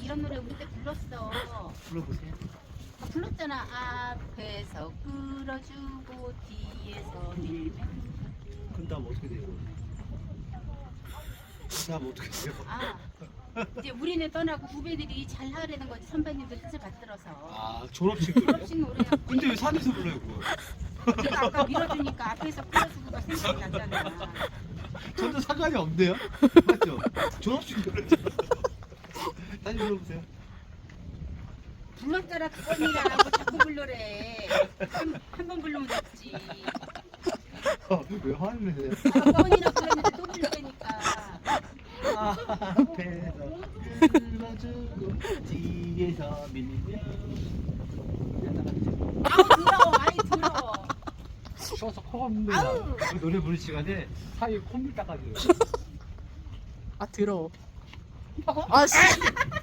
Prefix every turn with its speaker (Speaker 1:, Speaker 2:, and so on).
Speaker 1: 이런 노래 우리 때 불렀어.
Speaker 2: 불러보세요.
Speaker 1: 불렀잖아. 앞에서 끌어주고 뒤에서 밀면.
Speaker 2: 그 다음 어떻게 돼요? 그 다음 어떻게 돼요?
Speaker 1: 이제 우리는 떠나고 후배들이 잘 하려는 거지. 선배님들 뜻을 받들어서.
Speaker 2: 아 졸업식 노래.
Speaker 1: 졸업식 노래야.
Speaker 2: 근데 왜 산에서 불러요 그거?
Speaker 1: 내가 아까 밀어주니까 앞에서 끌어주고가 생각이 났잖아.
Speaker 2: 전혀 상관이 없네요. 맞죠? 졸업식 노래잖아. 다시 불러보세요.
Speaker 1: 불렀잖아. 그건이라 뭐 자꾸 불러래. 한 번 부르면 됐지.
Speaker 2: 왜 화를 내세요?
Speaker 1: 그건이라 불렀는데 또 부를 테니까.
Speaker 2: 앞에서 불러주고 뒤에서 밀면.
Speaker 1: 아우 더러워. 아이 더러워.
Speaker 2: 쉬어서 코가 없는데
Speaker 1: 아우.
Speaker 2: 노래 부를 시간에 사이에 콧물 닦아줘요.
Speaker 3: 아 더러워. 아 씨.